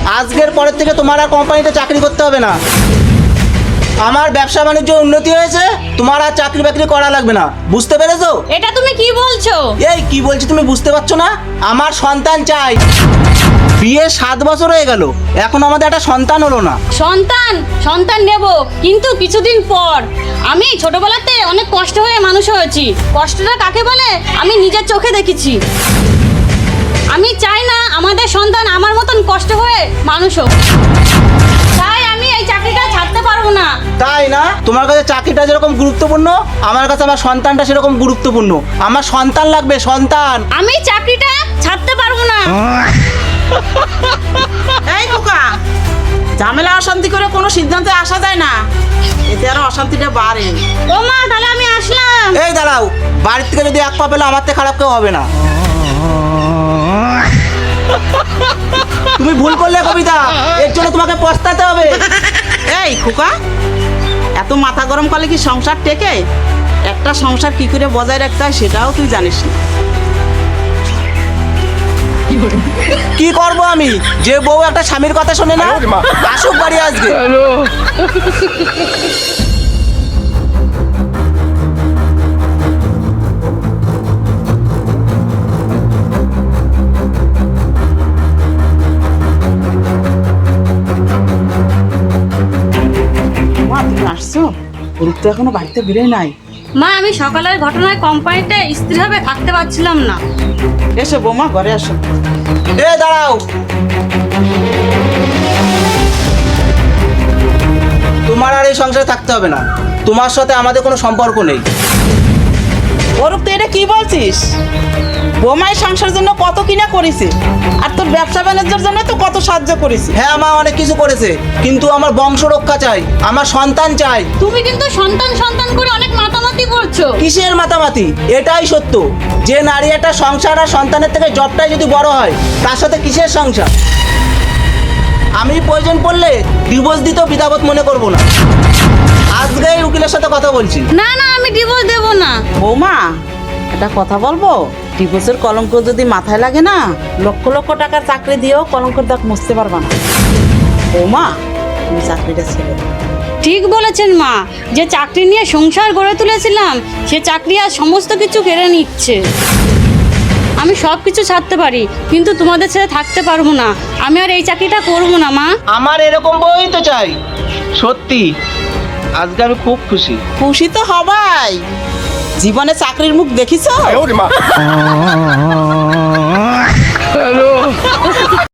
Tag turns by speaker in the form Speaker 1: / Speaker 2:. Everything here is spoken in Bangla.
Speaker 1: আজকের পরের থেকে তোমার আর কোম্পানিতে চাকরি করতে হবে না। আমার ব্যবসা বাণিজ্য উন্নতি হয়েছে, তোমার আর চাকরি বাকরি করা লাগবে না, বুঝতে পেরেছো?
Speaker 2: এটা তুমি কি বলছো?
Speaker 1: এই কি বলছি তুমি বুঝতে পারছো না? আমার সন্তান চাই। বিয়ে 7 বছর হয়ে গেল, এখন আমাদের একটা সন্তান হলো না।
Speaker 2: সন্তান নেব, কিন্তু কিছুদিন পর। আমি ছোটবেলাতে অনেক কষ্ট হয়ে মানুষ হয়েছি। কষ্টটা কাকে বলে আমি নিজের চোখে দেখেছি। আমি চাই না আমাদের সন্তান আমার মতন কষ্ট হয়ে মানুষ হোক। তাই আমি এই চাকরিটা ছাড়তে পারবো না।
Speaker 1: তাই না? তোমার কাছে চাকরিটা যেরকম গুরুত্বপূর্ণ, আমার কাছে আমার সন্তানটা সেরকম গুরুত্বপূর্ণ। আমার সন্তান লাগবে, সন্তান।
Speaker 2: আমি চাকরিটা ছাড়তে পারবো না।
Speaker 3: এই খোকা, ঝামেলা অশান্তি করে কোনো সিদ্ধান্তে আসা যায় না, এতে আরো অশান্তিটা বাড়ে।
Speaker 2: ও মা, তাহলে আমি আসলাম।
Speaker 1: এই দাঁড়াও, বাড়ির থেকে যদি এক পা পেলে আমার থেকে খারাপ কেউ হবে না। তুমি ভুল করলে কবিতা, এর জন্য তোমাকে পস্তাতে হবে।
Speaker 3: এই খোকা, এত মাথা গরম করলে কি সংসার টেকে? একটা সংসার কি করে বজায় রাখতে হয় সেটাও তুই জানিস না।
Speaker 1: কি করব আমি? যে বউ একটা স্বামীর কথা শোনে না, আসুক বাড়ি আজকে।
Speaker 3: মা, তুমি আসছো? রূপ তো এখনো বাড়িতে বেরোয় নাই।
Speaker 2: মা, আমি সকালের ঘটনায় কোম্পানিতে স্থিরভাবে থাকতে পারছিলাম না।
Speaker 3: এসো বৌমা, ঘরে আসো।
Speaker 1: এ দাঁড়াও, তোমার আর এই সংসারে থাকতে হবে না। তোমার সাথে আমাদের কোনো সম্পর্ক নেই।
Speaker 3: অরূপ, তুই এটা কি বলছিস? বৌমাই সংসারের জন্য কত কিনা করেছে, আর তোর ব্যবসা বাণিজ্যের জন্য তো কত সাহায্য করেছে।
Speaker 1: হ্যাঁ মা, অনেক কিছু করেছে, কিন্তু আমার বংশ রক্ষা চাই, আমার সন্তান চাই।
Speaker 2: তুমি কিন্তু সন্তান করে অনেক মাতামাতি করছো।
Speaker 1: কিসের মাতামাতি? এটাই সত্য যে নারী একটা সংসার আর সন্তানের থেকে জবটাই যদি বড় হয়, তার সাথে কিসের সংসার? আমি প্রয়োজন পড়লে ডিভোর্স দিতেও বিধাবোধ মনে করব না। আজকেই উকিলের সাথে কথা বলছি।
Speaker 2: না, আমি ডিভোর্স দেব না।
Speaker 3: বৌমা, একটা কথা বলবো? ডিভোর্সের কলঙ্ক যদি মাথায় লাগে না, লক্ষ লক্ষ টাকার চাকরি দিয়েও কলঙ্কের দাগ মুছতে পারবা না। বৌমা, তুমি চাকরিটা ছেড়ে দাও।
Speaker 2: ঠিক বলেছেন মা, যে চাকরি নিয়ে সংসার গড়ে তুলেছিলাম সে চাকরি আর সমস্ত কিছু কেড়ে নিচ্ছে। আমি সব কিছু ছাড়তে পারি, কিন্তু তোমাদের ছেড়ে থাকতে পারবো না। আমি আর এই চাকরিটা করবো না মা।
Speaker 1: আমার এরকম বই তো চাই। সত্যি আজকে আমি খুব খুশি।
Speaker 3: খুশি তো হবাই। জীবনে চাকরির মুখ দেখিছো?